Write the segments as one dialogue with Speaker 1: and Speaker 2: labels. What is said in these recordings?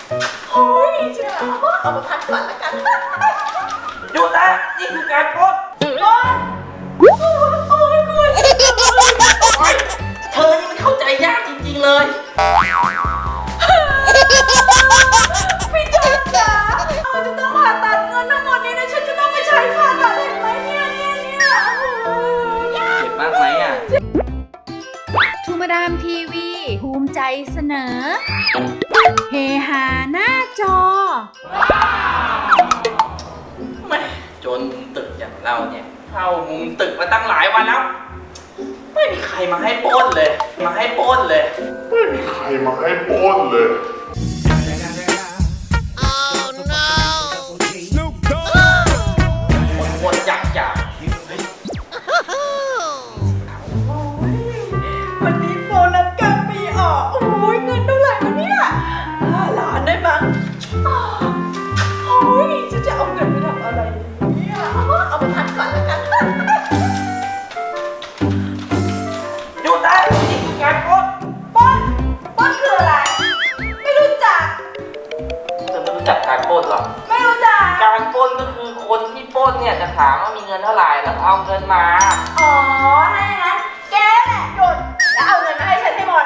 Speaker 1: เฮ้ยจะเอามาพักก่อนละกัน
Speaker 2: หยุดนะนี่คือการปล้น
Speaker 1: โอ๊ยกลัว
Speaker 2: เธอนี่มันเข้าใจยากจริงๆเลย
Speaker 1: พี่จอนจ๋าจะต้องผ่าตัดเงินทั้งหมดนี้นะฉันจะต้องไปใช้ผ่าตัดเห็นไหมเนี่ย
Speaker 2: เจ็บมากไหมอ่ะ
Speaker 3: ทูมาดามทีวีภูมิใจเสนอเฮฮาหน้าจอ
Speaker 2: แม่จนมุมตึกอย่างเราเนี่ยเข้ามุมตึกมาตั้งหลายวันแล้วไม่มีใครมาให้ปล้นเลย
Speaker 4: ไม่มีใครมาให้ปล้นเลย
Speaker 2: วนๆจัก
Speaker 1: วันนี้โบนัสกลางปีออกโอ้ยเงินเท่าไหร่วะเนี่ย5 ล้านได้มั้งโอ้ยจะเอาเงินไปทำอะไรเนี่ยเอามาพักก่อนละกัน
Speaker 2: หยุดนะนี่คือการปล้น
Speaker 1: ปล้นคืออะไรไม่รู้จัก
Speaker 2: เธอไม่รู้จักการปล้นหรอ
Speaker 1: ไม่รู้จัก
Speaker 2: การปล้นก็คือคนที่ปล้นเนี่ยจะถามว่ามีเงินเท่าไหร่แล้วเอาเงินมา
Speaker 1: อ๋อถ้าอย่างนั้นแกแหละหยุดแล้วเอาเงินมาให้ฉันให้หมด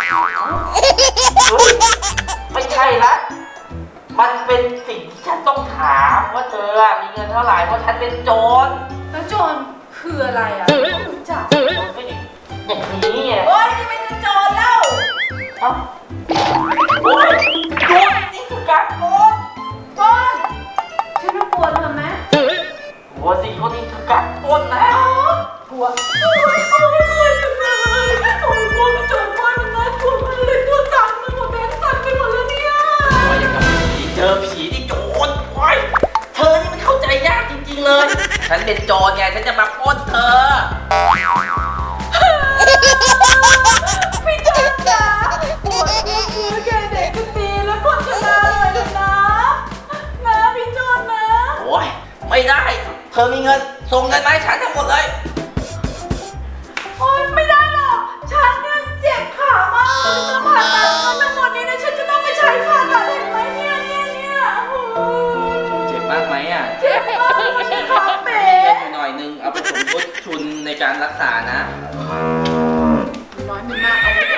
Speaker 2: ไม่ใช่ละมันเป็นสิ่งที่ฉันต้องถามว่าเธอมีเงินเท่าไหร่เพราะฉันเป็นโจร
Speaker 1: แล้วโจรคืออะไรอ่ะไม่รู้จัก
Speaker 2: อย่างนี้ไง
Speaker 1: โอ๊ยนี่เป็นโจรแล้ว
Speaker 2: เอ้าโอ๊ยโจรนี่คือการปล้น
Speaker 1: ฉันต้องกลัวเธอไหม
Speaker 2: กลัวสิเขานี่คือการปล้นนะ
Speaker 1: กลัวโอ๊ยจังเลยโอ๊ยกลัวกระโจนว่ามันน่ากลัวมากเลยตัวสั่นไปหมดแบงค์สั่นไปหมดแล้วเนี่ย
Speaker 2: โอ๊ยอย่างกับผีเจอผีที่โจรโอ๊ยเธอนี่มันเข้าใจยากจริงๆเลยฉันเป็นโจรไงฉันจะมาปล้นเธอ
Speaker 1: พี่จอนจ๋าปวดหัวแกเด็กคนนี้แล้วคนชนะเลยนะพี่จอนนะ
Speaker 2: โอ๊ยไม่ได้เธอมีเงินส่งเงินมาให้ฉันทั้งหมดเลย
Speaker 1: โอ๊ยไม่ได้หรอกฉันเนี่ยเจ็บขามากจะผ่าตัดเงินทั้งหมดนี้นะฉันจะต้องไปใช้ผ่าตัดเห็นไหมเนี่ย
Speaker 2: เจ็บมากไหมอ่ะ
Speaker 1: เจ็บมากฉันขาเป๋
Speaker 2: หน่อยนึงเอาไปสมทบทุนในการรักษานะ
Speaker 1: น้อยมันมากเอาไป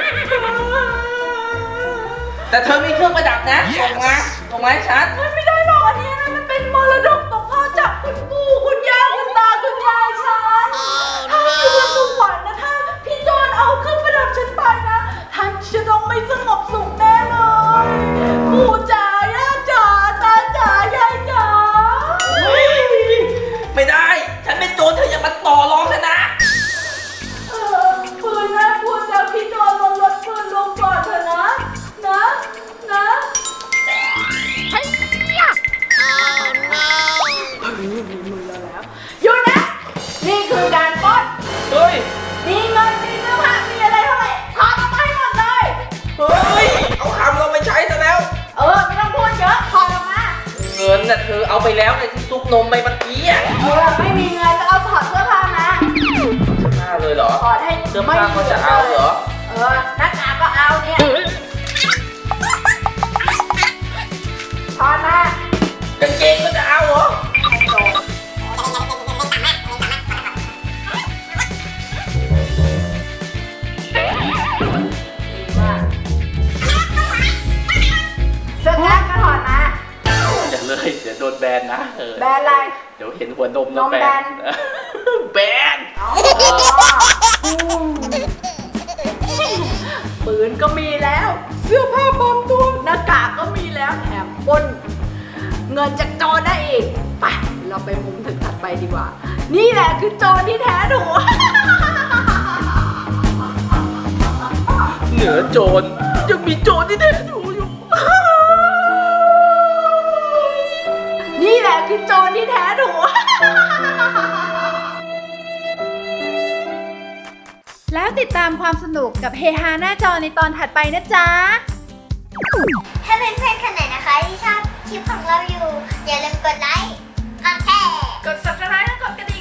Speaker 2: แต่เธอมีเครื่องประดับนะส่งมาให้ฉัน
Speaker 1: ไม่ได้หรอกอันนี้มันเป็นมรดกตกทอดจากคุณปู่คุณย่าคุณตาคุณยายฉันถ้าอยู่บนสวรรค์นะถ้าพี่จอนเอาเครื่องประดับฉันไปนะท่านจะต้องไม่สงบสุขแน่เลยปู่จ๋าย่าจ๋าตาจ๋ายายจ๋า
Speaker 2: ไม่ได้ฉันเป็นโจรเธออย่ามาต่อรองฉันนะ
Speaker 1: ปืนนะพูดแล้วพี่จอนลงรถปืนลงก่อนเถอะนะหยุดนะนี่คือการปล้น
Speaker 2: เฮ้ย
Speaker 1: มีเงินมีเสื้อผ้ามีอะไรเท่าไหร่ถอดออกมาให้หมดเลย
Speaker 2: เฮ้ยเอาคำเราไปใช้ซะแล้ว
Speaker 1: ไม่ต้องพูดเยอะถอดออกมา
Speaker 2: เงินน่ะเธอเอาไปแล้วในที่ซุกนมไปเมื่อกี้
Speaker 1: ไม่มีเงินก็เอาถอดเสื้อผ้ามา
Speaker 2: เสื้อผ้าเลยเหรอ
Speaker 1: ถอดให้
Speaker 2: เสื้อผ้าก็จะเอาเหรอ
Speaker 1: หน้ากากก็เอาเนี่ยถอดม
Speaker 2: ากางเกงก็จะเอาเหรอ
Speaker 1: เสื้อกล้ามก็ถอดมา
Speaker 2: อย่าเลยเดี๋ยวโดนแบนนะ
Speaker 1: แบนอะไร
Speaker 2: เดี๋ยวเห็นหัวนมแล้วแบนแบน
Speaker 1: ปืนก็มีแล้วเสื้อผ้าปลอมตัวหน้ากากก็มีแล้วแถมปล้นเงินจากโจรได้อีกไปเราไปมุมถึงถัดไปดีกว่านี่แหละคือโจรที่แท้ถูก
Speaker 2: เหนือโจรยังมีโจรที่แท้ถูกอยู่
Speaker 1: นี่แหละคือโจรที่แท้ถูก
Speaker 3: แล้วติดตามความสนุกกับเฮฮาหน้าจอในตอนถัดไปนะจ๊ะ
Speaker 5: ถ้าเพื่อนๆคนไหนนะคะที่ชอบคลิปของเราอยู่อย่าลืมกดไลค์กดแชร์
Speaker 1: กด subscribe และกดกระดิ่ง